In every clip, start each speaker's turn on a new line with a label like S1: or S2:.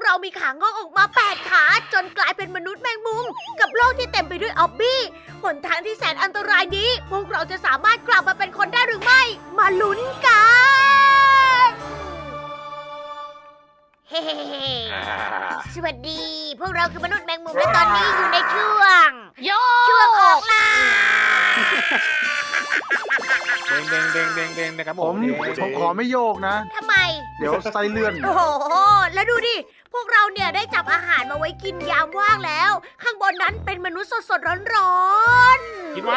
S1: เรามีขางอกออกมา8ขาจนกลายเป็นมนุษย์แมงมุมกับโลกที่เต็มไปด้วยออบบี้หนทางที่แสนอันตรายนี้ พวกเราจะสามารถกลับมาเป็นคนได้หรือไม่ มาลุ้นกันเฮ้สวัสดี พวกเราคือมนุษย์แมงมุมและตอนนี้อยู่ในช่วง
S2: โย
S1: ช่วงออกล่า
S3: เด้งนะครับ
S4: ผมขอไม่โยกนะ
S1: ทำไม
S4: เดี๋ยวไส้เลื่อน
S1: โอ้โห แล้วดูดิ พวกเราเนี่ยได้จับอาหารมาไว้กินยามว่างแล้ว ข้างบนนั้นเป็นมนุษย์สดๆร้อนๆ
S3: กินมัน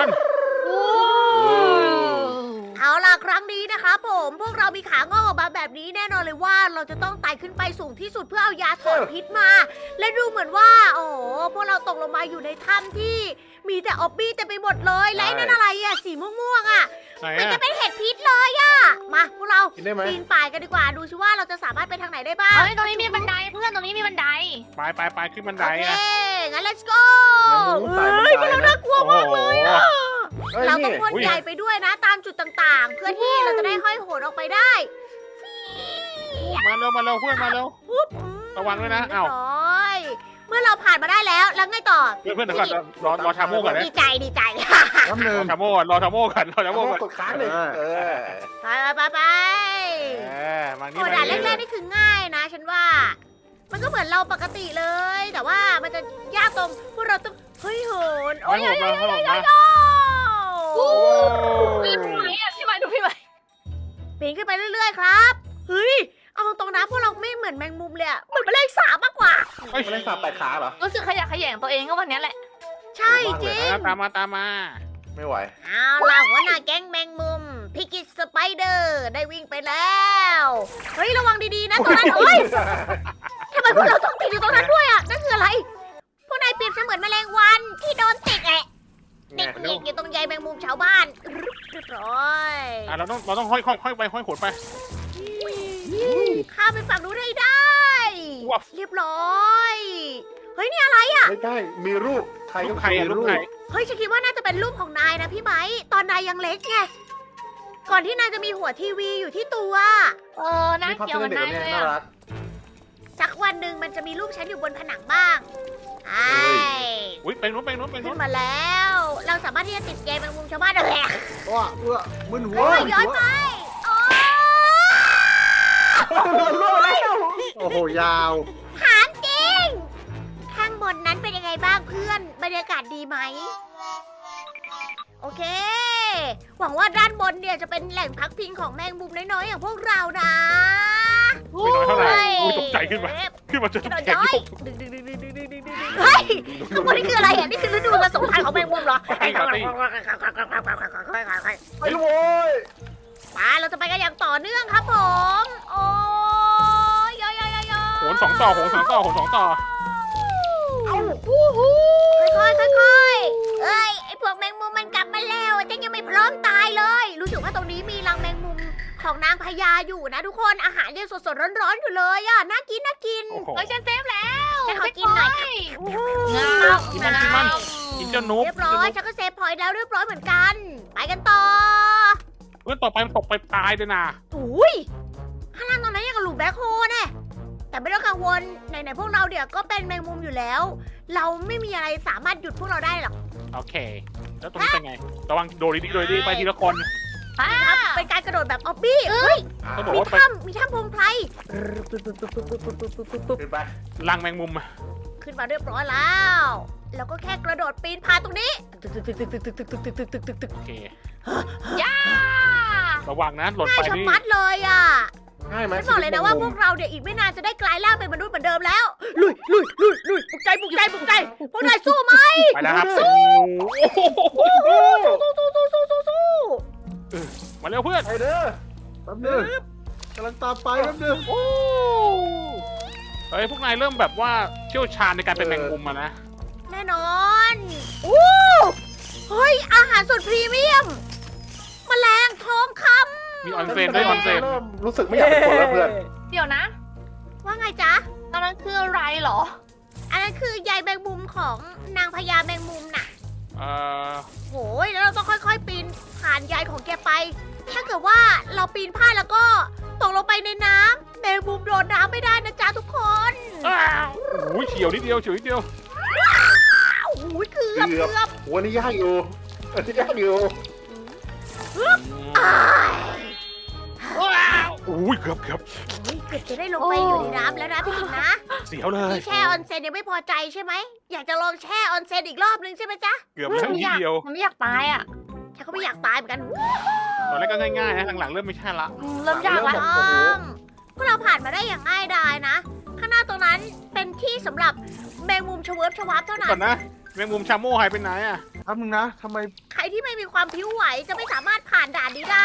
S1: เอาล่ะครั้งนี้นะคะผมพวกเรามีขางอกออกมาแบบนี้แน่นอนเลยว่าเราจะต้องไต่ขึ้นไปสูงที่สุดเพื่อเอายาถอนพิษมา และดูเหมือนว่า โอ้โหพวกเราตกลงมาอยู่ในถ้ำที่มีแต่ออบบี้เต็มไปหมดเลยและไอ้นั่นอะไรอะสีม่วงๆอะ
S3: ไหน
S1: มันจะ
S3: อะ
S1: เป็นเห็ดพิษเลยอะมาพวกเรา
S4: กินได้ไหม
S1: ปีนป่ายกันดีกว่าดูซิว่าเราจะสามารถไปทางไหนได้บ้าง
S2: เฮ้ยตรงนี้มีบันไดเพื่อนตรงนี้มีบันได
S3: ไปขึ้นบันได
S1: โอเค
S3: อะ
S1: งั้น let's go
S4: เฮ้
S1: เฮ้ย
S4: ย
S1: พวกเราน่ากลัวมากเลยอะ
S4: เอ้ย
S1: เราต้อ
S4: นี่
S1: งพ่นใยไปด้วยนะตามจุดต่างๆ เพื่อที่เราจะได้ห้อยโหนออกไปได้
S3: มาเร็วเพื่อนมาเร็ว
S1: ปุ๊บ
S3: ระวังด้วยนะ
S1: เรีย
S3: อ้าว
S1: บร้อยเมื่อเราผ่านมาได้แล้วแล้วไงต่อ
S3: เพื่อนเดี๋ยวก่อนรอชาโม่ก่อนนะ
S1: ดีใจ
S4: น้ำหนึ่ง
S3: รอชาโม่ก่อนรอชาโม่ก่อน
S4: กดค้างเลย
S1: ไป
S3: มานี่
S1: โอ้ด่านแรกๆนี่คือง่ายนะ ฉันว่า มันก็เหมือนเราปกติเลย แต่ว่ามันจะยากตรงพวกเราต้องเฮ้ยโหนโอ้ย
S3: มา
S1: โอ้
S2: พี่ไหมอ่ะพี่ไหมดูพี่ไหม
S1: ปีนขึ้นไปเรื่อยๆครับเฮ้ยเอาตรงๆนะพวกเราไม่เหมือนแมงมุมเลยอะเหมือนแมลงสาบมากกว่า
S3: เฮ้ย
S4: ไม่ได้สับแปดขาเหรอ
S2: รู้สึกขยะแขยงตัวเองก็วันนี้แหละ
S1: ใช่จริง
S3: ตามมา
S4: ไม่ไหว
S1: เอาล่ะหัวหน้าแก๊งแมงมุมพิกิสสไปเดอร์ได้วิ่งไปแล้วเฮ้ยระวังดีๆนะตรงนั้นเฮ้ยทำไมพวกเราต้องติดอยู่ตรงนั้นด้วยอ่ะนั่นคืออะไรพวกนายเปรียบเสมือนแมลงวันที่โดนติดติดอยู่ตรงใยแมงมุมชาวบ้านเรียบร้อย
S3: เราต้องห้อยไปห้อยขนไป
S1: ข้ามไปฝั่งนู้นให้ได้
S3: ว้าว
S1: เรียบร้อยเฮ้ยนี่อะไรอ่ะ
S4: ไม่ได้มีรูปใคร
S3: ลู
S4: ก็
S3: กใครอะลูกใคร
S1: เฮ้ยฉันคิดว่าน่าจะเป็นรูปของนายนะพี่ไบร์ทตอนนายยังเล็กไงก่อนที่นายจะมีหัวทีวีอยู่ที่ตัว
S2: น่า
S4: นี่พับ
S2: เกี่ยว
S4: เพื่
S2: กั
S4: อน
S2: น
S4: เด็ก
S2: ได้
S4: เนี่ย
S2: เลย
S4: น่า
S2: อ่ะ
S4: รัก
S1: สักวันหนึ่งมันจะมีรูปฉันอยู่บนผนังบ้างไอ้
S3: อุ้ยไปนู้น
S1: ขึ้นมาแล้ว เราสามารถที่จะติดเกมแมงมุมชาวบ้านได้เลยอะ
S4: ว้ามึนหัว
S1: โอ้ยย้อนไปโอ้ย
S4: โอ้โหยาว
S1: ถามจริง ข้างบนนั้นเป็นยังไงบ้างเพื่อน บรรยากาศดีไหม โอเค หวังว่าด้านบนเนี่ยจะเป็นแหล่งพักพิงของแมงมุมน้อยๆอย่างพวกเรานะ
S3: ไม่น้อยเท่าไหร่อุ้ยตกใจขึ้นมาจะ
S1: กระโดด
S3: แข็ง
S1: ย้อย
S3: ยก
S1: เฮ้ยข้างบนนี่คืออะไรอ่ะ นี่คือฤดูผสมพันธุ์ของแมงมุมเหรอ
S4: ไปเลยโว้ย
S1: มาเราจะไปกันอย่างต่อเนื่องครับผม โอ้ยยอย
S3: โหน2 ต่อ
S1: ค่อยๆเอ้ย ไอพวกแมงมุมมันกลับมาแล้วฉันยังไม่พร้อมตายเลย รู้สึกว่าตรงนี้มีรังแมงมุมของนางพญาอยู่นะทุกคน อาหารยังสดๆร้อนๆอยู่เลยอ่ะ น่ากิน
S3: โอ้โห
S2: เฮ้ยฉันเซฟแล้ว
S1: ให้เขากินหน่อย
S2: งา
S3: กินมันกินเจ้านุ๊ก
S1: เรียบร้อย ฉันก็เซฟพอยต์แล้วเรียบร้อยเหมือนกัน ไปกันต่อ
S3: เพื่อนต่อไปมันตกไปตายเลยนะ
S1: อุ้ยข้างล่างตรงนั้นยังกับหลุมแบ็คโฮแน่แต่ไม่ต้องกังวลไหนๆพวกเราเดี๋ยวก็เป็นแมงมุมอยู่แล้ว เราไม่มีอะไรสามารถหยุดพวกเราได้หรอก
S3: โอเค แล้วตรงนี้เป็นไงระวังโดดดีไปทีละคน
S1: ครับเป็นการกระโดดแบบออบบี้เฮ้ย
S3: ต้องบอก
S1: มี
S3: ว่าไป
S1: ถ้ำพงไพร
S4: ขึ้นไป
S3: รังแมงมุม
S1: ขึ้นมาเรียบร้อยแล้ว แล้วก็แค่กระโดดปีนผ่านตรงนี้
S3: โอเค
S2: ย่า
S3: ระวังนะหล่น
S1: ง่า
S3: ไป
S1: ยชะ
S3: นี่
S1: มัดเลยอ่ะ
S4: ง่ายไหม
S1: ฉันบอกเลยนะว่าพวกเราเนี่ยอีกไม่นานจะได้กลายร่างเป็นมนุษย์เหมือนเดิมแล้ว ลุยปลุกใจพวกนายสู้ไหม
S3: ไปแล้วครับ
S1: สู้
S3: มาเร็วเพื่อน
S4: ไปเด้อแป๊บนึงกำลังตามไปแป๊บนึง
S3: เฮ้ยพวกนายเริ่มแบบว่าเชี่ยวชาญในการเป็นแมงมุมอะนะ
S1: แน่นอนอู้เฮ้ยอาหารสุดพรีเมียมแมลงทองคำ
S3: มีออนเซนด้วยออนเซน
S4: เริ่มรู้สึกไม่อยากเป็นคนแล้วเพื่อน
S2: เดี๋ยวนะ
S1: ว่าไงจ๊ะ
S2: ตอนนั้นคืออะไรเหรอ
S1: อันนั้นคือใยแมงมุมของนางพญาแมงมุมน่ะ
S3: เอ่อ
S1: โหยแล้วเราต้องค่อยๆ ปีนผ่านใยของแกไป ถ้าเกิดว่าเราปีนพลาดแล้วก็ตกลงไปในน้ำแมงมุมโดนน้ำไม่ได้นะจ๊ะทุกคน
S3: อ้าฉียวนิดเดียวเฉียวนิดเดียว
S1: โอ้โหเกือบ
S4: เกือบ
S1: เกือบ
S4: วันนี้ยากอยู่อันนี้ยากอยู่
S1: อ้าย
S2: ว้าว
S3: อุ้ยเกือบ
S1: เฮ้ยเกือบจะได้ลงไปอยู่ในน้ำแล้วนะพี่กินนะ
S3: เสียวเลย
S1: ที่แช่ออนเซ็นยังไม่พอใจใช่ไหมอยากจะลองแช่ออนเซ็นอีกรอบนึงใช่ไหมจ๊ะ
S3: เกือบแล้วนิดเดียว
S2: มันไม่อยากตายอ่ะ
S1: ฉันก็ไม่อยากตายเหมือนกัน
S3: ตอนแรกก็ง่ายๆนะหลังๆเริ่มไม่ใช่ละ
S2: เริ่มยากแล้ว
S1: พวกเราผ่านมาได้อย่างง่ายดายนะ ข้างหน้าตรงนั้นเป็นที่สำหรับแมงมุมชเวิร์ฟชวับเท่านั้
S3: ก่อน นนะแมงมุมชาโม่หายไปไหนอ่ะ
S4: ทำนึงนะทำไม
S1: ใครที่ไม่มีความผิวไหวจะไม่สามารถผ่านด่านนี้ได้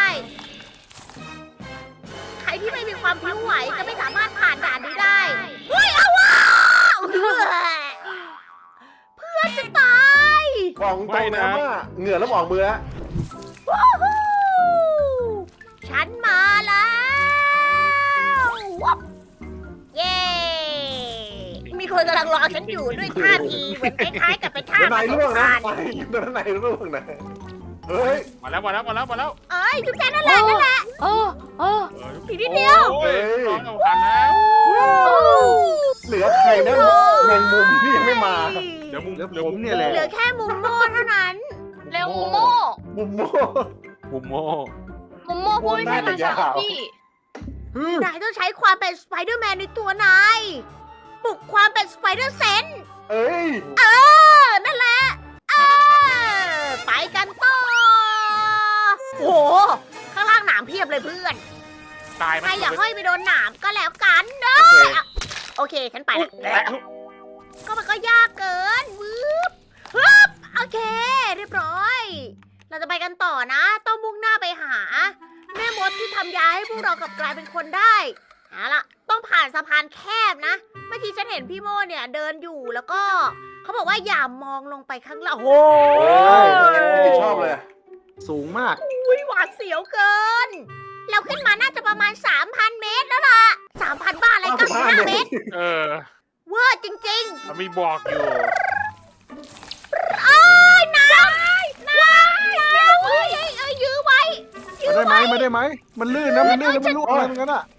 S1: ใครที่ไม่มีความผิวไหวจะไม่สามารถผ่านด่านนี้ได้ เฮ้ยเอาว้าวเพื่อนจะตาย
S4: บอกตรงนะว่าเหงื่อแล้วออกมือแล้ว
S1: วู้ฮู้ฉันมาแล้ววับเย้ มีคนกำลังรอฉันอยู่ด้วยท่าทีเหมือนคล้ายๆกับเป็นท่า
S4: เดี๋ยวนายร่วงนะ
S1: ผสม
S4: ไป
S1: พันธุ์
S4: เดี๋ยวนายร่วงนะเฮ้ย
S3: มาแล้ว
S1: เอ้ยจุ๊บแจนั่นแหละนั่นแหละ
S2: เออ
S1: อีกนิดเดียว
S3: โอ้ยน้องเอาผ่านแล้ว
S4: เหลือใครนะแมงมุมที่ยังไม่มา
S3: เดี๋ยวมุม
S4: เหลือผมเนี่ยแหละ
S1: เหลือแค่มุมโม่เท่านั้น
S2: เร็วมุมโม่
S4: มุมโม่
S3: มุมโม่
S2: มุมโม่พูดไม่ใช่ภาษาพี่
S1: นายต้องใช้ความเป็นสไปเดอร์แมนในตัวนายปลุกความเป็นสไปเดอร์เซนส์
S4: เอ้ย
S1: นั่นแหละไปกันต่อโอ้โห ข้างล่างหนามเพียบเลยเพื่อน
S3: ตายไหม
S1: ใครอยากห้อยไปโดนหนามก็แล้วกันเด้อโอเค ฉันไปละก็มันก็ยากเกินวืบฮึบโอเค เรียบร้อย เราจะไปกันต่อนะ ต้องมุ่งหน้าไปหา แม่มดที่ทำยาให้พวกเรากลับกลายเป็นคนได้เอาล่ะ ต้องผ่านสะพานแคบนะ เมื่อกี้ฉันเห็นพี่โมเนี่ยเดินอยู่แล้วก็ เขาบอกว่าอย่ามองลงไปข้างล่างโอ้โห
S4: ไม่ชอบเลย สูงมาก
S1: อุ๊ยหวาดเสียวเกิน เราขึ้นมาน่าจะประมาณ 3,000 เมตรแล้วล่ะ 3,000 บ้าอะไร95 เมตร
S3: เออ
S1: เวอร์จริง
S3: มันมีบอกอยู่
S1: ๆ โอ้ยน้ำเอ้ยยื้อไว้
S4: มาได้ไหมมาได้ไหม มันลื่นนะ มันลื่นแล้วมันลุกอะไรเหมือนกันอ่ะ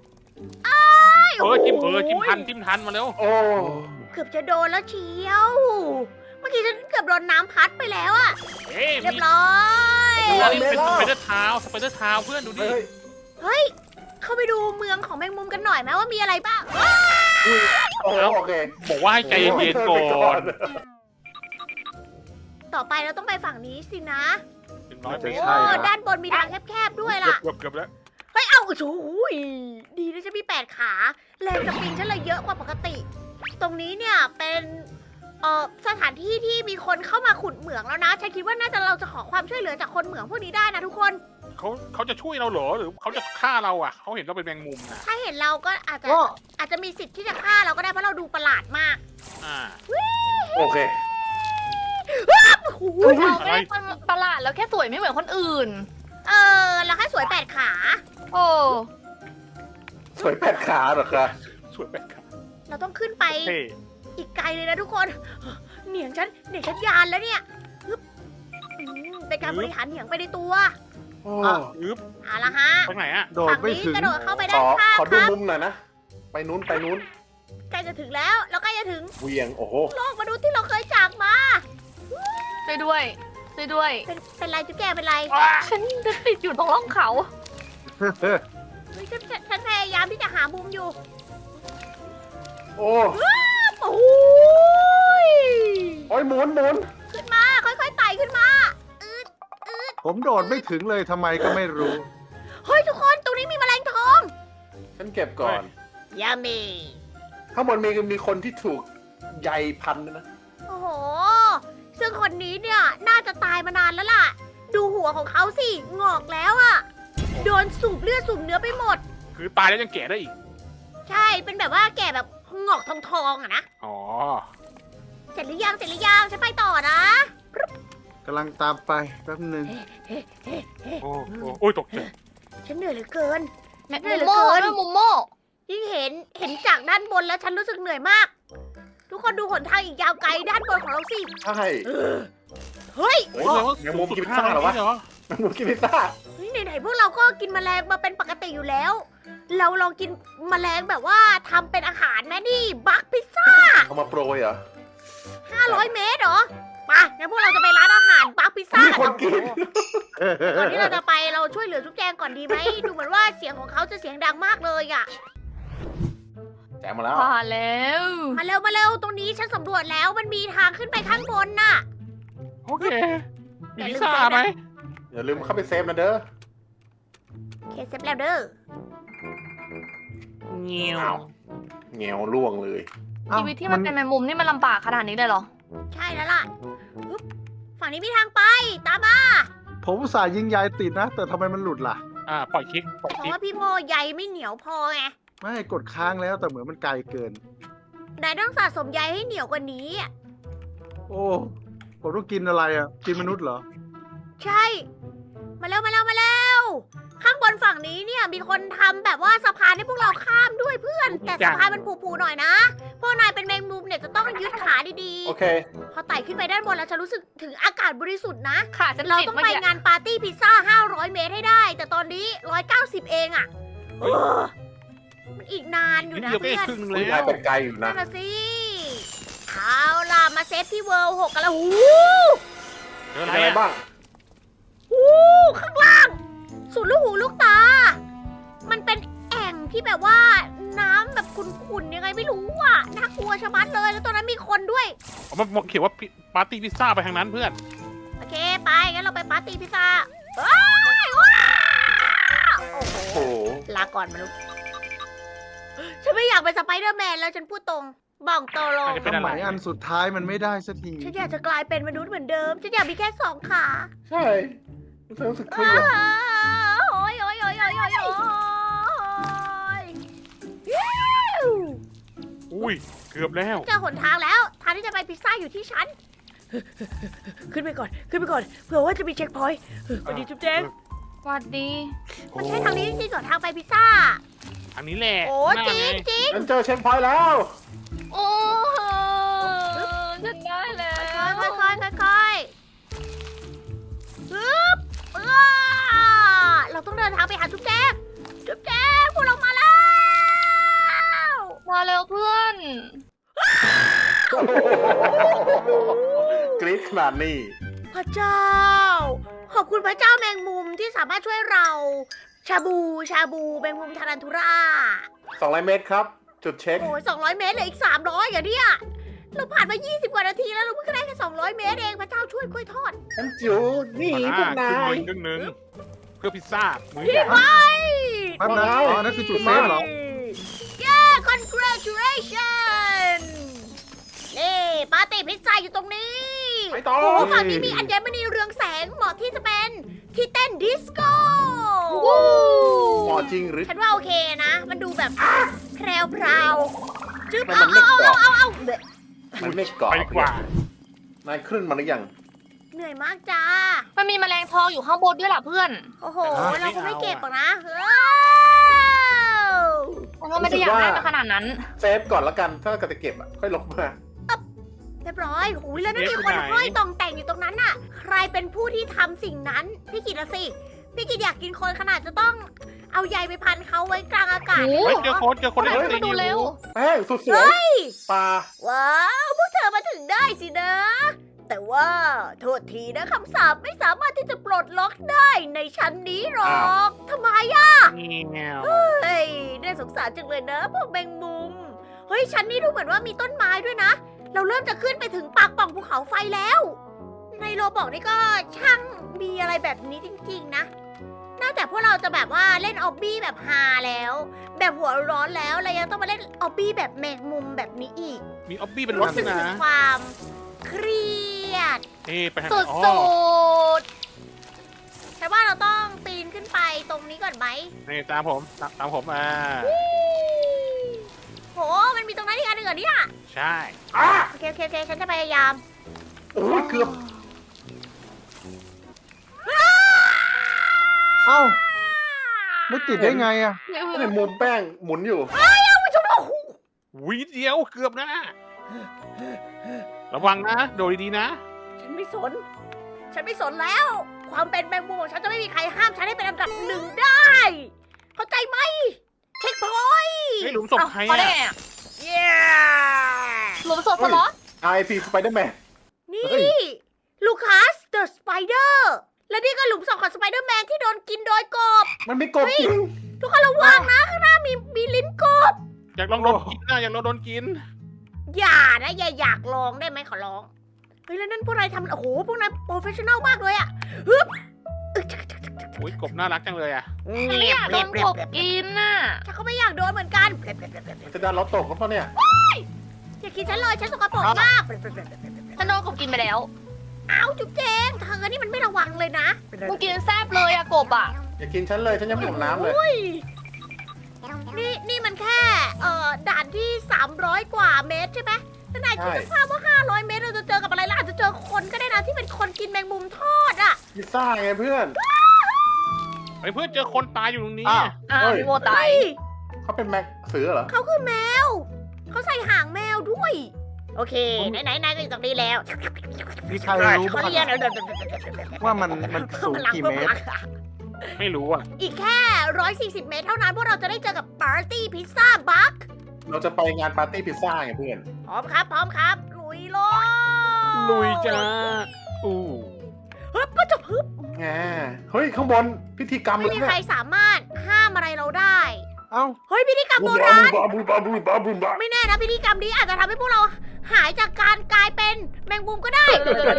S3: จิ้มทันมาเร็ว
S4: โอ้
S1: เกือบจะโดนแล้วเชียว เมื่อกี้ฉันเกือบโดนน้ำพัดไปแล้วอะ
S3: เฮ้ย
S1: เรียบร้อย
S3: มีเป็นสไปเดอร์เท้าเพื่อนดูดิ
S4: เฮ้ย
S1: เฮ้ย เข้าไปดูเมืองของแมงมุมกันหน่อยไหมว่ามีอะไรบ้าง
S4: โอเค
S3: บอกว่าให้ใจเย็นๆก่อน
S1: ต่อไปเราต้องไปฝั่งนี้สินะ
S3: เป็นน้อยไป
S1: โอ้ด้านบนมีทางแคบๆด้วยล่ะ
S3: เกือบแล้ว
S1: เฮ้ย เอาโอ้โหดีนะฉันมี8 ขา แรงสปริงฉันเลยเยอะกว่าปกติ ตรงนี้เนี่ยเป็นสถานที่ที่มีคนเข้ามาขุดเหมืองแล้วนะ ฉันคิดว่าน่าจะเราจะขอความช่วยเหลือจากคนเหมืองพวกนี้ได้นะทุกคน
S3: เขาจะช่วยเราเหรอหรือเขาจะฆ่าเราอ่ะเขาเห็นเราเป็นแมงมุมนะ
S1: ถ้าเห็นเราก็อาจจะมีสิทธิ์ที่จะฆ่าเราก็ได้เพราะเราดูประหลาดมาก
S3: อ่า
S4: โอเค
S1: โอ้โห
S2: เราไม่ได้ประหลาดแล้วแค่สวยไม่เหมือนคนอื่น
S1: เราแค่สวย8 ขา
S2: โอ้
S4: สวยแปดขาเหรอคะ
S3: สวยแปลกครับ
S1: เราต้องขึ้นไป
S3: เท่
S1: อีกไกลเลยนะทุกคนเหนียงฉันยานแล้วเนี่ยฮึบเป็นการบริหารเหนียงไปในตัว
S4: โอ้
S3: อึ๊บ
S1: เอาละฮะ
S3: ไปไหนอ่ะ
S4: โดด
S1: ฝั่ง
S4: ไม่
S1: นี้
S4: ถึง
S1: กระโดดเข้าไป
S4: ข
S1: ด้าน
S4: อ
S1: ข้าง
S4: ขอ
S1: ค
S4: ดู
S1: รับ
S4: มุมหน่อยนะ ไปนู้น
S1: ใกล้จะถึงแล้วเราใกล้จะถึง
S4: เวียง โอ้โห
S1: โลกมนุษย์ที่เราเคยจากมา
S2: ช่วยด้วย
S1: เป็นไรจุ๊บแกเป็นไร
S2: ฉันจะติดอยู่ตรงร่องเขา
S1: เฮ้ยฉันพยายามที่จะหามุมอยู่
S4: โอ้
S1: โอ้ย
S4: โอ้ยหมุน
S1: ขึ้นมาค่อยๆไต่ขึ้นมา
S4: ผมโดดไม่ถึงเลยทำไมก็ไม่รู้
S1: เฮ้ยทุกคนตรงนี้มีแมลงทอง
S4: ฉันเก็บก่อน
S1: ยามี
S4: ข้างบนมีคนที่ถูกใยพันด้วยนะ
S1: โอ้โห ซึ่งคนนี้เนี่ยน่าจะตายมานานแล้วล่ะ ดูหัวของเขาสิงอกแล้วอะโดนสูบเลือดสูบเนื้อไปหมด
S3: คือตายแล้วยังแก่ได้อีก
S1: ใช่เป็นแบบว่าแก่แบบงอกทองๆอะนะ
S3: อ๋อ
S1: เสร็จหรือยังฉันไปต่อนะ
S4: กำลังตามไปแป๊บนึง
S3: โอ้ยตกใจ
S1: ฉันเหนื่อยเหลือเกิน
S2: มุมโม่ด้วยมุมโม่
S1: ยิ่งเห็นจากด้านบนแล้วฉันรู้สึกเหนื่อยมาก ทุกคนดูหนทางอีกยาวไกลด้านบนของเราสิ
S4: ใช่
S1: เฮ้ย
S3: โอ้ยแมงมุมกินพิซซ่าเหรอวะ
S4: แมงมุมกินพิซซ่า
S1: เฮ้ยไหนๆพวกเราก็กินแมลงมาเป็นปกติอยู่แล้ว เราลองกินแมลงแบบว่าทำเป็นอาหารไหมนี่บักพิซซ่า
S4: ท
S5: มาโปรยเหรอ
S1: 500 เมตรเหรอมางั้นพวกเราจะไปร้านอาหารปักพิซซ่า
S5: มีคนกิน
S1: ก่อนที่เราจะไปเราช่วยเหลือจุ๊บแจงก่อนดีไหม ดูเหมือนว่าเสียงของเขาจะเสียงดังมากเลยอ่ะ
S5: แจกมาแล้ว
S2: ผ่านแล้ว
S1: มาเร็วมาเร็วตรงนี้ฉันสำรวจแล้วมันมีทางขึ้นไปข้างบนน่ะ
S3: โอเคมีพิซซ่าไหม
S5: อย่าลืมเข้าไปเซฟนะเด้อ
S1: เคสเซฟแล้วเด้อ
S3: เงี้ยว
S5: เงียวล่วงเลย
S2: ชีวิตที่มันเป็นแมงมุมนี่มันลำบากขนาดนี้เลยเหรอ
S1: ใช่แล้วล่ะฮึบฝั่งนี้มีทางไปตามมา
S4: ผมอุตส่าห์ยิงยายติดนะ แต่ทำไมมันหลุดล่ะ
S3: ปล่อยคลิกปล่อย
S1: เพ
S3: ค
S1: ราะ
S3: ลิก
S1: ว่าพี่โมใยไม่เหนียวพอไง
S4: ไม่กดค้างแล้วแต่เหมือนมันไกลเกิน
S1: นายต้องสะสมใยให้เหนียวกว่านี้อะ
S4: โอ้ผมต้องกินอะไรอ่ะ กินมนุษย์เหรอ
S1: ใช่ มาเร็วมาเร็วมาเร็วข้างบนฝั่งนี้เนี่ยมีคนทำแบบว่าสะพานให้พวกเราข้ามด้วยเพื่อน แต่สะพานมันผูๆหน่อยนะพวกนายเป็นแมงมุมเนี่ยจะต้องยึดขาดี
S5: โอเค
S1: ๆพอไต่ขึ้นไปด้านบนแล้วฉันรู้สึกถึงอากาศบริสุทธิ์นะ
S2: ขาฉัน
S1: เรา
S2: ติด
S1: ต้อง
S2: เมื่อ
S1: ไป
S2: กี้
S1: งานปาร์ตี้พิซซ่า500 เมตรให้ได้ แต่ตอนนี้190เองอะเออมันอีกนานอยู่
S3: นิด
S1: นะ
S3: เดียวก็
S1: เพื่อน
S3: ครึ่งนึง
S5: คุณ
S3: แล้
S5: นายว เป็นไกลอยู่นะ
S1: นั่นน่ะสิเอาล่ะมาเซฟที่เวิลด์6กันแล้วหู
S3: เจออะ
S5: มี
S3: ไร
S5: อะไร
S3: อะ
S5: บ้าง
S1: หูข้างล่าง สุดลูกหูลูกตา มันเป็นแอ่งที่แบบว่าน้ำแบบขุ่นๆยังไงไม่รู้อ่ะน่ากลัวชะมัดเลยแล้วตอนนั้นมีคนด้วย
S3: มันเขียนว่าปาร์ตี้พิซซ่าไปทางนั้นเพื่อน
S1: โอเคไปงั้นเราไปปาร์ตี้พิซซ่าว้ายว้าวโอ้โห
S5: โอ้โห
S1: ลาก่อนมนุษย์ฉันไม่อยากเป็นสไปเดอร์แมนแล้วฉันพูดตรงบอกตรง
S3: อาจจะเป็น
S4: ทำ
S3: อะไร
S4: ไมอันสุดท้ายมันไม่ได้สักที
S1: ฉันอยากจะกลายเป็นมนุษย์เหมือนเดิม ฉันอยากมีแค่2 ขา
S5: ใช่รู้สึกเครียด
S1: โอ้ยโอ้ยโอ้ยโอ้ยโอ้ยโอ้ย
S3: อุ้ยเกือบแล้ว
S1: เจอหนทางแล้วทางที่จะไปพิซซ่าอยู่ที่ชั้น ขึ้นไปก่อนขึ้นไปก่อนเผื่อว่าจะมีเช็คพอยต์สวัสดีจุ๊บแจง
S2: สวัสดี
S1: มันใช่ทางนี้จริงๆก่อนทางไปพิซซ่า
S3: ทางนี้แหละ
S1: โอ้
S3: หน้า
S1: จริง
S3: ไ
S1: จริง
S5: ฉันเจอเช็คพอยต์แล้ว
S2: โอ้ฉันได้แล้ว
S1: ค่อยๆค่อยๆค่อยๆฮึบเราต้องเดินทางไปหาจุ๊บแจงจุ๊บแจงพวกเรามาแล้ว
S2: มาแล้วเพื่อน
S5: กรี๊ดขนาดนี้
S1: พระเจ้า ขอบคุณพระเจ้าแมงมุมที่สามารถช่วยเรา ชาบูแมงมุมทารันทูรา
S5: 200 เมตรครับ จุดเช็ค
S1: โอ้ย200 เมตรเหลืออีก 300อย่างเนี้ยเราผ่านมา 20 กว่านาทีแล้วเราเพิ่งได้แค่200 เมตรเองพระเจ้าช่วยกล้วยทอด
S5: ฉันจิ๋วนี่พวกนาย
S3: ครึ่งหนึ่งเพื่อพิซซ่ามื้อ
S1: พี่
S3: ใหญ่
S1: ไม้
S4: แป๊บนะอ๋อนั่นคือจุดเซฟเหรอ
S1: เย้ congratulation นี่ปาร์ตี้พิซซ่าอยู่ตรงนี้
S5: ไปต่อ
S1: โอ้โหฝั่งนี้มีอัญมณีเรืองแสงเหมาะที่จะเป็นที่เต้นดิสโก้
S5: เหมาะจริงหรือ
S1: ฉันว่าโอเคนะ มันดูแบบแพรวพราวจึ๊บ
S5: มัน
S1: เอา
S5: ไม่
S1: เอา
S5: เกาะ
S1: เอาเอา
S5: มันไม่เกาะ
S3: ไปดีกว่า
S5: นายขึ้นมาหรือยัง
S1: เหนื่อยมากจ้า
S2: มันมีแมลงทองอยู่ข้างบนด้วยล่ะเพื่อน
S1: โอ้โห
S3: ไม่
S1: เราคงไม่
S3: เอา
S1: เก็บหรอกนะเฮ้ย
S2: มันก็ไม่ได้อยากได้มาขนาดนั้น
S5: เซฟก่อนละกัน ถ้าเกิดจะเก็บค่อยลงมา
S1: เรียบร้อยหูยแล้วนั่นมีคนห้อยตองแต่งอยู่ตรงนั้นน่ะ ใครเป็นผู้ที่ทำสิ่งนั้น พี่กิตอะสิ พี่กิตอยากกินคนขนาดจะต้องเอาใยไปพันเขาไว้กลางอากาศ
S2: โอ้
S3: เฮ้ยเจอคนได้
S2: เฮ้ย
S3: ตี
S2: มาดูเร็ว
S5: แป้งสุดสวยปลา
S1: ว้าวพวกเธอมาถึงได้สินะ แต่ว่าโทษทีนะคำสาปไม่สามารถที่จะปลดล็อกได้ในชั้นนี้หรอกทำไมอะ
S3: เงี้ยว
S1: เฮ้ยน่าสงสารจังเลยนะพวกแมงมุม เฮ้ยชั้นนี้ดูเหมือนว่ามีต้นไม้ด้วยนะ เราเริ่มจะขึ้นไปถึงปากปล่องภูเขาไฟแล้ว ในโรบอกนี่ก็ช่างมีอะไรแบบนี้จริงๆนะ นอกจากพวกเราจะแบบว่าเล่นออบบี้แบบฮาแล้ว แบบหัวร้อนแล้วเรายังต้องมาเล่นออบบี้แบบแมงมุมแบบนี้อีก
S3: มีออบบี้เป็นรถ
S1: รู้สึก
S3: นะ
S1: ถึงความเครียด
S3: ไปทาง
S2: สุ
S3: อ๋อ
S2: ด
S1: แต่ว่าเราต้องปีนขึ้นไปตรงนี้ก่อนไหม
S3: นี่ตามผมมา
S1: โห มันมีตรงนั้นอีกอันหนึ่งเหรอเนี่ย
S3: ใช่
S1: โอเคโอเคโอเคฉันจะพยายาม
S5: โอ้ยเกือบ
S4: เอ้า ไม่ติดได้ไงอ่ะ
S5: ในมุมแป้งหมุนอยู่
S3: วิเดียวเกือบนะ ระวังนะ โดยดีๆนะ
S1: ฉันไม่สน ฉันไม่สนแล้ว ความเป็นแมงมุมของฉันจะไม่มีใครห้ามฉันให้เป็นอันดับหนึ่งได้ เข้าใจไหม เช็คพอยต์
S3: ไม่หลุมศพใคร
S2: เขาได้
S3: อ่ะ
S2: ไงอะ
S1: เย้
S2: หลุมมสดสล็อต
S5: IP Spider-Man
S1: นี่
S4: เฮ้ย
S1: ลูคัสเดอะสไปเดอร์และนี่ก็หลุมศพของสไปเดอร์แมนที่โดนกินโดยกบ
S5: มันไม่กบจริง
S1: ทุกคนระวังนะข้างหน้ามีลิ้นกบ
S3: อยากลองโดนกินนะอยากลองโดนกิน
S1: อย่านะอย่าอยากลองได้ไหมขอร้องเฮ้ยแล้วนั่นพวกนายทำโอ้โหพวกนายโปรเฟชชั่นอลมากเลยอะฮึบอึ๊กชักชักชักชัก
S3: อุ้ยกบน่ารักจังเลยอ่ะ
S2: ฉันไม่อยากโดนกบกินน่ะ
S1: ฉันก็ไม่อยากโดนเหมือนกัน
S5: มันจะดันเราตกแล้วเปล่าเนี่ย
S1: อย่าคิดฉันเลยฉันสกปรกมาก
S2: ฉันโดนกบกินไปแล้ว
S1: เอ้าจุ๊บเจงเธอนี่มันไม่ระวังเลยนะ
S2: มันกินแซ่บเลยอะกบอะ
S5: อย่ากินฉันเลยฉันยังไม่หมดน้ำเลย
S1: โอ้ยนี่มันแค่ด่านที่300กว่าเมตรใช่ไหมแล้วนายคิดสภาพว่า500เมตรเราจะเจอกับอะไรล่ะอาจจะเจอคนก็ได้นะที่เป็นคนกินแมงมุมทอดอ่ะ
S5: พิซซ่าไงเพื่อน
S3: ไอ้เพื่อนเจอคนตายอยู่ตรงนี้
S4: อ้าว
S2: อ่ะ
S5: เฮ้ย
S2: พี่โมตาย
S1: เฮ้ย
S5: เขาเป็นแม็กเสือเหรอ
S1: เขาคือแมว เขาใส่หางแมวด้วย โอเคไหนๆนายก็อยู่ตรงนี้แล้ว
S4: มีใครรู้
S1: เขา
S4: บ้าง
S1: เรียกเดี๋ยว
S4: ว่ามันสูงกี่เมตร
S3: ไม่รู้อ่ะ
S1: อีกแค่140 เมตรเท่านั้นพวกเราจะได้เจอกับปาร์ตี้พิซซ่าบัค
S5: เราจะไปงานปาร์ตี้พิซซ่าไงเพื่อน
S1: พร้อมครับ พร้อมครับ ลุยโลด
S3: ลุยจ้าอู้
S1: ฮึบก็จะฮึบ
S5: แงเฮ้ย ข้างบนพิธีกรรม
S1: ไม่
S5: เลย
S1: มี
S5: เนี่
S1: ใคร
S5: ย
S1: สามารถห้ามอะไรเราได้
S4: เอ้า
S1: เฮ้ยพิธีกรรม
S5: บู
S1: โบ
S5: บา
S1: ราณ
S5: บูบาบูบาบูบาบูบา
S1: ไม่แน่นะพิธีกรรมนี้อาจจะทำให้พวกเราหายจากการกลายเป็นแมงมุมก็ได้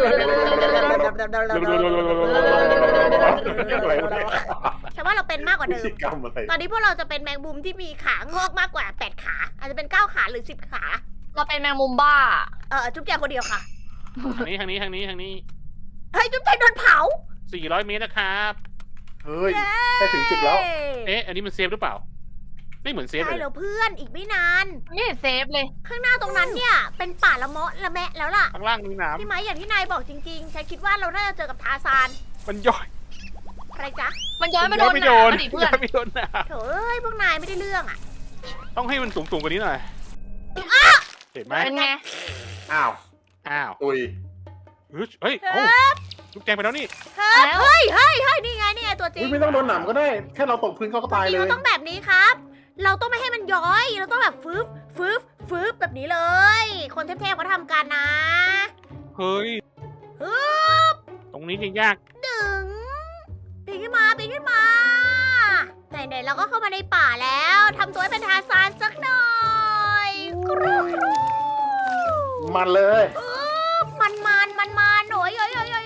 S5: อะไรวะเนี่ย
S1: ฉันว่าเราเป็นมากกว่า
S5: พิ
S1: เดิม
S5: ธีกรรมอะไร
S1: ตอนนี้พวกเราจะเป็นแมงมุมที่มีขางอกมากกว่า8ขาอาจจะเป็น9ขาหรือ10ขา
S2: เราเป็นแมงมุมบ้า
S1: จุ๊บแจงคนเดียวค่ะ
S3: ทางนี้ทางนี้ทางนี้ทางนี้
S1: เฮ้ยจุ๊บแจงโดนเผา
S3: 400 เมตรนะครับ
S5: เฮ้ย ได้ถึงจุดแล้ว
S3: เอ๊ะ อันนี้มันเซฟหรือเปล่า ไม่เหมือนเซฟ
S1: ใช่
S3: เลย
S1: แล้วเพื่อนอีกไม่นาน
S2: ไม่เห็นเซฟเลย
S1: ข้างหน้าตรงนั้นเนี่ยเป็นป่าละเมาะละแมะแล้วล่ะ
S3: ข้างล่างมีน้
S1: พี่ไม้อย่างที่นายบอกจริงๆ ฉันคิดว่าเราน่าจะเจอกับทาซาน
S3: ำมันย่อย
S1: อะไรจ๊ะ
S2: มันย้อยมาโดน
S3: ไม่
S2: ห
S3: โด
S2: นาน มาดิเพื่อน
S3: ไม่โดนนะ
S1: โถเอ้ยพวกนายไม่ได้เรื่องอ่ะ
S3: ต้องให้มันสูงกว่านี้หน่อย เห็นไหม
S2: เป็นไง
S5: อ้าว
S3: อ้าว
S5: ตุย
S3: เฮ้ยโอ้ลูกแจงไปแล้วนี่
S2: แล้ว
S1: เฮ้ยนี่ไงตัวจริง
S5: อุ๊ยไม่ต้องโดนหนามก็ได้ แค่เราตกพื้นเขาก็ตาย
S1: จริ
S5: เล
S1: ง
S5: ย
S1: เราต้องแบบนี้ครับ เราต้องไม่ให้มันย้อย เราต้องแบบฟืบแบบนี้เลย คนเทพๆเขาทำกันนะ
S3: เฮ้ย
S1: ฮึบ
S3: ตรงนี้ยังยาก
S1: ดึงปีนขึ้นมาไหนๆเราก็เข้ามาในป่าแล้วทำตัวให้เป็นทาซานสักหน่อยกรูกรู
S5: มันเลย
S1: มันโอย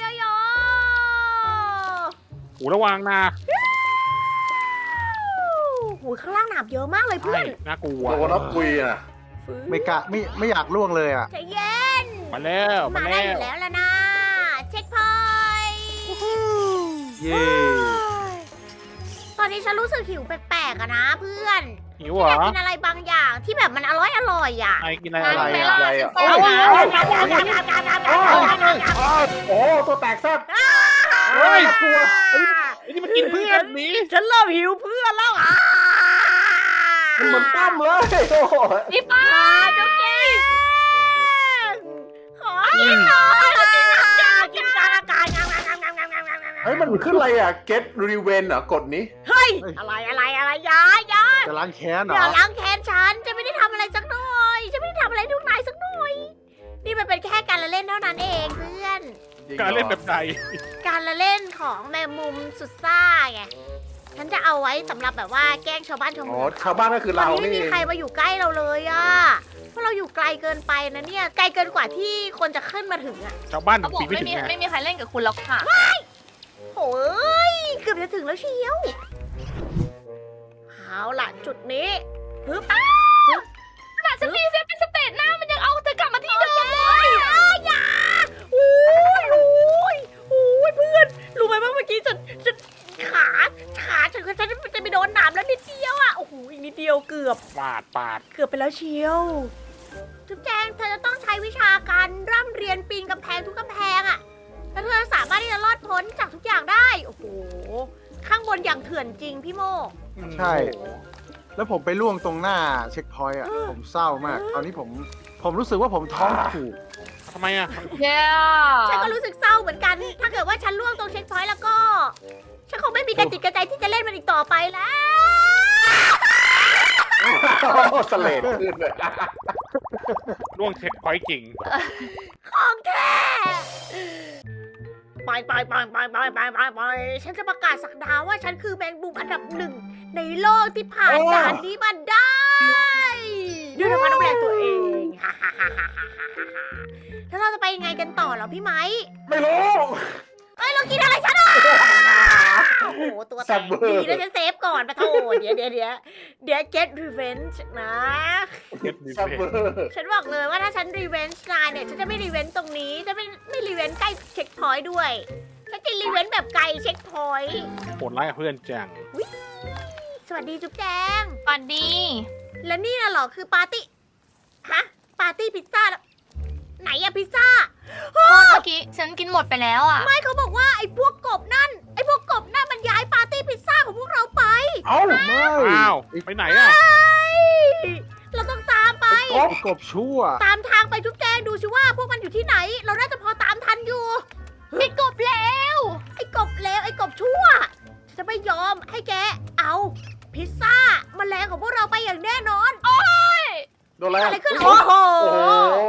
S3: หูระวังนะ
S1: หูข้างล่างหนามเยอะมากเลยเพื่
S3: ใช่
S1: อน
S3: น่ากลัว
S5: โดนแล้วตุยอ่ะ
S4: ไม่กะไม่อยากล่วงเลยอ่ะ
S1: ใจเย็น
S3: มาแล้ว
S1: มา
S3: มา
S1: ได้
S3: แล้
S1: อยู่
S3: ว
S1: แล้วล่ะนะเช็คพอยต์
S4: เย้
S1: ตอนนี้ฉันรู้สึกหิวแปลกๆอะนะเพื่อน
S3: หิว
S1: ฉัน
S3: เหร
S1: อยาก
S3: อ
S1: กินอะไรบางอย่างที่แบบมันอร่อยอ่ะ
S3: ไอกินอะไร
S2: งั้น
S3: อะไร
S2: ไป
S3: อะ
S2: ล่า
S5: อะไร
S2: ฉั
S5: อะ
S2: นไปหา
S5: โอ้ตัวแตกแซ่บ
S3: เฮ้ย
S5: กลัว
S3: ไอ้นี่มันกินเพื่อนหนี
S1: ฉันเริ่มหิวเพื่อนแล้วอ่ะ
S5: มันเหมือนตั้มเลยโอ้โห
S2: นี่ป้า
S1: เจ้าเก่งขอกินหน่อยกินกลางอากาศ
S5: เฮ้ยมันขึ้นอะไรอ่ะ get revenge เหรอกดนี้
S1: เฮ้ยอะไรยาย
S4: จะล้างแค้นเหร
S1: เดี๋ยว
S4: อ
S1: ล้างแค้นฉันจะไม่ได้ทำอะไรสักหน่อยฉันไม่ได้ทำอะไรทุกนายสักหน่อย นี่มันเป็นแค่การละเล่นเท่านั้นเองเพื่อน
S3: การเล่นแบบใด
S1: การละเล่นของแมงมุมสุดซ่าไง ฉันจะเอาไว้สำหรับแบบว่าแกล้งชาวบ้านชาว
S5: อ๋อ
S1: เมือง
S5: ชาวบ้านก็คือ
S1: ตอน
S5: เรา
S1: นี้ไม่
S5: นี่
S1: มีใครมาอยู่ใกล้เราเลยอะเพราะเราอยู่ไกลเกินไปนะเนี่ย ไกลเกินกว่าที่คนจะขึ้นมาถึงอะ
S3: ชาวบ้าน
S2: เขาบอก
S3: ปีไม่
S2: ไม่
S3: ถึง
S2: มี
S3: ไง
S2: ไม่มีใครเล่นกับคุณแล้วค่ะ
S1: โอ้ยเกือบจะถึงแล้วเชียวเอาล่ะจุดนี้ฮึบ
S2: ขนาดฉันมีเซฟเป็นสเตจหน้ามันยังเอาเธอกลับมาที่เดิม
S1: อย่าโอ้ยเพื่อน รู้ไหมว่าเมื่อกี้ฉันขาฉันจะไปโดนหนามแล้วนิดเดียวอะโอ้โหอีกนิดเดียวเกือบ
S3: ปาด
S1: เกือบไปแล้วเชียวจุ๊บแจงเธอจะต้องใช้วิชาการร่ำเรียนปีนกำแพงทุกกำแพงอะแล้วเธอสามารถที่จะรอดพ้นจากทุกอย่างได้ โอ้โห ข้างบนอย่างเถื่อนจริงพี่โม
S4: ใช่ แล้วผมไปล่วงตรงหน้าเช็คพอยต์อ่ะ ผมเศร้ามาก ตอนนี้ผมรู้สึกว่าผมท้องผูก
S3: ทำไมอ่ะ
S2: เย้
S1: ฉันก็รู้สึกเศร้าเหมือนกัน ถ้าเกิดว่าฉันล่วงตรงเช็คพอยต์แล้วก็ ฉันคงไม่มีกระจิตกระใจที่จะเล่นมันอีกต่อไปแล้ว
S5: สเลดขึ้นเลย
S3: ล่วงเช็คพอยต์จริง
S1: ของแท้ไปฉันจะประกาศสักดาว่าฉันคือแมงมุมอันดับหนึ่งในโลกที่ผ่านด่านนี้มาได้ด้วยน้ำพันน้ำแรงตัวเองแล้วเราจะไปยังไงกันต่อเหรอพี่ไม้
S5: ไม่รู้
S1: เอ้ยเรากินอะไรฉันอ่ะโอ้โหตัวแตกดีนะฉันเซฟก่อนปะโถเดี๋ยว get revenge นะ
S5: ซัมเบอร์
S1: ฉันบอกเลยว่าถ้าฉันรีเวนจ์นายเนี่ยฉันจะไม่รีเวนจ์ตรงนี้จะไม่รีเวนจ์ใกล้เช็คพอยต์ด้วยฉันจะรีเวนจ์แบบไกลเช็คพอยต์
S3: โหดร้ายกับเพื่อนจัง
S1: สวัสดีจุ๊บแจง
S2: สวัสดี
S1: แล้วนี่น่ะเหรอคือปาร์ตี้ฮะปาร์ตี้พิซซ่าแล้วไหนอะพิซซ่า
S2: เมื่อกี้ฉันกินหมดไปแล้วอ่ะ
S1: ไม่เขาบอกว่าไอ้พวกกบนั่นมันย้ายปาร์ตี้พิซซ่าของพวกเราไป
S5: เอ้า
S4: ไม่
S3: อ้าวไปไหนอ่ะ
S1: เราต้องตามไป
S5: กบ
S4: ไอ้กบชั่ว
S1: ตามทางไปจุ๊บแจงดูสิว่าพวกมันอยู่ที่ไหน เราน่าจะพอตามทันอยู่
S2: มีกบแล้ว
S1: ไอ้กบเลวไอ้กบชั่วฉันจะไม่ยอมให้แกเอาพิซซ่าแมลงของพวกเราไปอย่างแน่นอน
S5: โดนอะไร
S1: อะไรขึ้นโอ้โห
S5: โอ้โห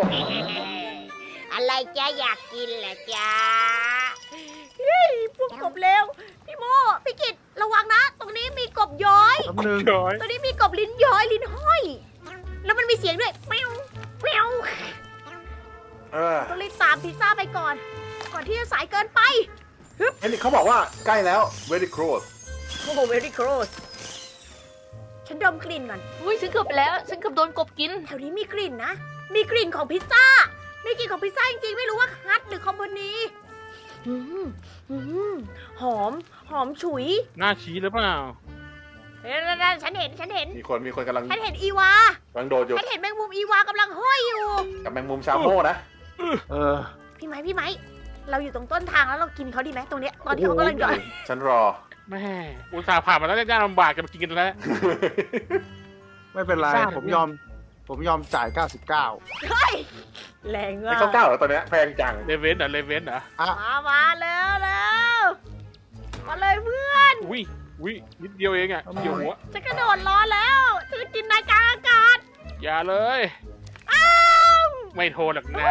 S1: อะไรจ๊ะอยากกินเหรอจ๊ะเฮ้ยพวกกบเลวพี่โมพี่กิตระวังนะ ตรงนี้มีกบย้อย
S4: แป๊บนึง
S3: เฉย
S1: ตรงนี้มีกบลิ้นย้อยลิ้นห้อย แล้วมันมีเสียงด้วยแมวแมว
S5: เออ
S1: ต้องรีบตามพิซซ่าไปก่อน ก่อนที่จะสายเกินไป
S5: เฮ้ยนี่เขาบอกว่าใกล้แล้ว very close
S1: โอ้โห very close ฉันดมกลิ่นก่อน
S2: อุ้ยฉันเกือบไปแล้ว ฉันเกือบโดนกบกิน
S1: แถวนี้มีกลิ่นนะ มีกลิ่นของพิซซ่า มีกลิ่นของพิซซ่าจริงๆ ไม่รู้ว่าฮัทหรือคอมพานีอืมอืมหอมฉุย
S3: หน้าชี้หรือเปล่า
S1: นั่นฉันเห็น
S5: มีคนกำลัง
S1: ฉันเห็นอีวา
S5: โดดอยู่
S1: ฉันเห็นแมงมุมอีวากำลังห้อยอยู่
S5: กับแมงมุมชาโม่นะ
S4: เออ
S1: พี่ไม้เราอยู่ตรงต้นทางแล้วเรากินเขาดีไหมตรงเนี้ยตอนที่เขากำลังย่อย
S5: ฉันรอ
S3: แม่อุตส่าห์ผ่านมาแล้วยากลำบากจะมากินกันแล้ว
S4: ไม่เป็นไร
S3: ทราบ
S4: ผมยอมจ่าย 99
S1: เฮ้ยแรงมา
S5: ไอ้
S1: ก
S5: ข้าวเก้าเหรอตอนเนี้ยแพงจัง
S3: เลเวนเหรอ
S1: มาแล้วมาเลยเพื่อน
S3: อุ้ยนิดเดียวเองอ่ะเกี่ยวหัว
S1: จะกระโดดรอแล้วจะกินนายกลางอากาศ
S3: อย่าเลย ไม่โทรหรอกนะ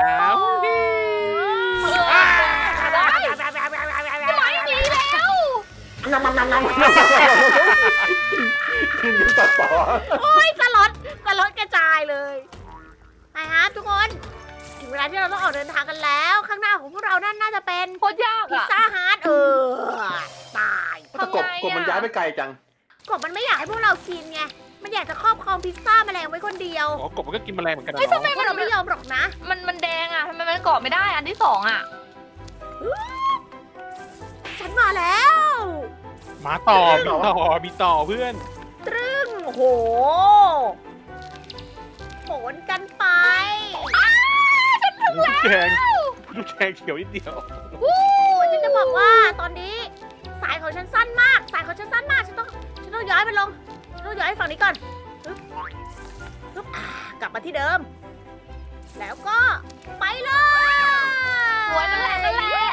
S2: ไม่มีแล้ว
S5: งำกินตัดต่อ
S1: โอ้ยสลดกระจายเลยไปครับทุกคนถึงเวลาที่เราต้องออกเดินทางกันแล้ว ข้างหน้าของพวกเรานั่นน่าจะเป็น
S2: โคตรยาก
S1: พิซ
S2: อ่ะ
S1: ซ่าฮาร์ดตาย
S5: แต่กบมันย้ายไปไกลจัง
S1: กบมันไม่อยากให้พวกเรากินไงมันอยากจะครอบครองพิซซ่าแมลงไว้คนเดียว
S3: อ๋อกบมันก็กินแมลงเหมือนกันนะ
S1: พวกเราไม่ยอมหรอกนะ
S2: มันแดงอ่ะทำไมมันเกาะไม่ได้อันที่สองอ่ะ
S1: ฉันมาแล้ว
S3: มาต่อมีต่อเพื่อน
S1: ตรึ้งโอ้โหโหนกันไป
S3: ลูกแจงเขียวนิดเดียว
S1: ฉันจะบอกว่าตอนนี้สายของฉันสั้นมาก ฉันต้องย้ายมันลง ฉันต้องย้ายฝั่งนี้ก่อนปึ๊บกลับมาที่เดิม แล้วก็ไปเลย
S2: สวยนั่นแหละ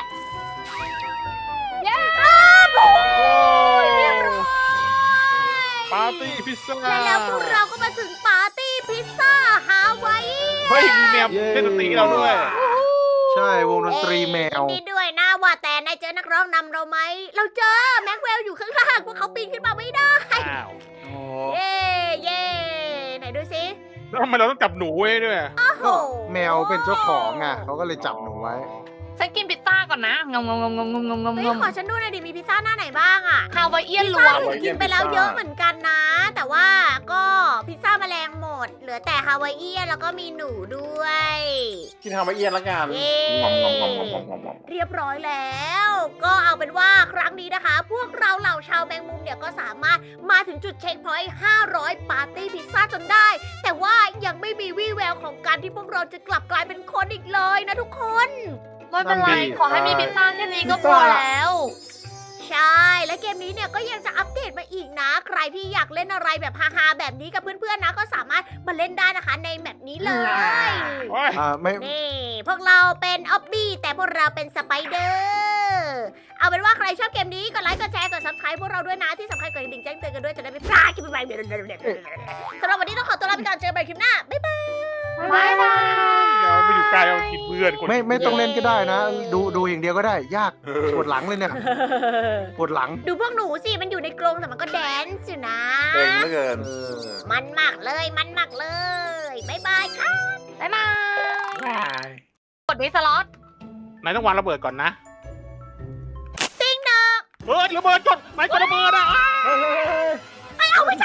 S2: เย้
S1: โอ้ยเรียบร้อย
S3: ปาร์ตี้พิซซ่า
S1: และแล้วพวกเราก็มาถึงปาร์ตี้พิซซ่าฮาวาย
S3: เฮ้ยมีแมวเล่นดนตรีให้เราด้วย
S4: ใช่วงดนตรีแมว
S1: นี่ด้วยนะว่าแต่นายเจอนักร้องนำเราไหม เราเจอแม็กเวลอยู่ข้างล่างพวกเขาปีนขึ้นมาไม่ได้
S3: อ้าว
S1: เย่ไหนดูสิ
S3: แล้วทำไมเราต้องจับหนูไว้ด้วย
S1: โอ้โห
S4: ก็แมวเป็นเจ้าของอ่ะเขาก็เลยจับหนูไว้
S2: ฉันกินพิซซ่าก่อนนะงง
S1: เฮ้ยขอฉันดูหน่อยดิมีพิซซ่าหน้าไหนบ้างอะ
S2: ฮาวายเอียน
S1: พิซ
S2: ล้
S1: ซ่า
S2: วน
S1: ผมกินไปแล้วเยอะเหมือนกันนะ แต่ว่าก็พิซซ่าแมลงหมด เหลือแต่ฮาวายเอียนแล้วก็มีหนูด้วย
S5: กินฮาวายเอียนละกัน
S1: เย้ เรียบร้อยแล้ว ก็เอาเป็นว่าครั้งนี้นะคะ พวกเราเหล่าชาวแมงมุมเนี่ยก็สามารถมาถึงจุดเช็คพอยต์500 ปาร์ตี้พิซซ่าจนได้ แต่ว่ายังไม่มีวี่แววของการที่พวกเราจะกลับกลายเป็นคนอีกเลยนะทุกคน
S2: ไม่เป็นไร
S4: นั่นดิ
S2: ขอให้มีพิซซ่าแค่นี้ก็พอแล้ว
S1: ใช่ และเกมนี้เนี่ยก็ยังจะอัปเดตมาอีกนะ ใครที่อยากเล่นอะไรแบบฮาๆแบบนี้กับเพื่อนๆนะ ก็สามารถมาเล่นได้นะคะในแมปนี้เลย
S3: โอ้ย
S4: ไม่
S1: นี่พวกเราเป็นออบบี้แต่พวกเราเป็นสไปเดอร์เอาเป็นว่าใครชอบเกมนี้กดไลค์กดแชร์กด subscribe พวกเราด้วยนะที่สำคัญกดกระดิ่งแจ้งเตือนกันด้วยจะได้ไม่พลาดคลิปใหม่ๆสำหรับวันนี้ต้องขอตัวลาไปก่อนเจอกันใหม่คลิปหน้าบ๊ายบาย
S2: บ๊ายบาย
S3: เดี๋ยวไม่อยู่ใกล้เอากินเพื่อนคน
S4: ไม่ต้องเล่นก็ได้นะ ดูอย่างเดียวก็ได้ ยากปวดหลังเลยเนี่ยปวดหลัง
S1: ดูพวกหนูสิมันอยู่ในกรงแต่มันก็แดนซ์อยู่นะ
S5: เก่งเหลือเกิน
S1: มันมากเลยมันมากเลยบ๊ายบายค่ะ
S2: บ๊ายบาย
S3: ว้าย
S2: กดวิสล็อต
S3: นายต้องวางระเบิดก่อนนะ
S1: ติ๊งดอง
S3: เฮ้ยระเบิดจดนายกดระเบิดอ่ะ
S1: เอาไม่ใช่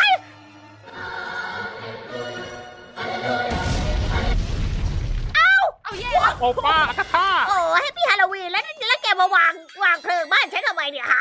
S2: เอาแย่
S3: โอป้าอาคาธา
S1: โอ้แฮปปี้ฮาโลวีนแล้วแกมาวางเพลิงบ้านฉันทำไมเนี่ยฮะ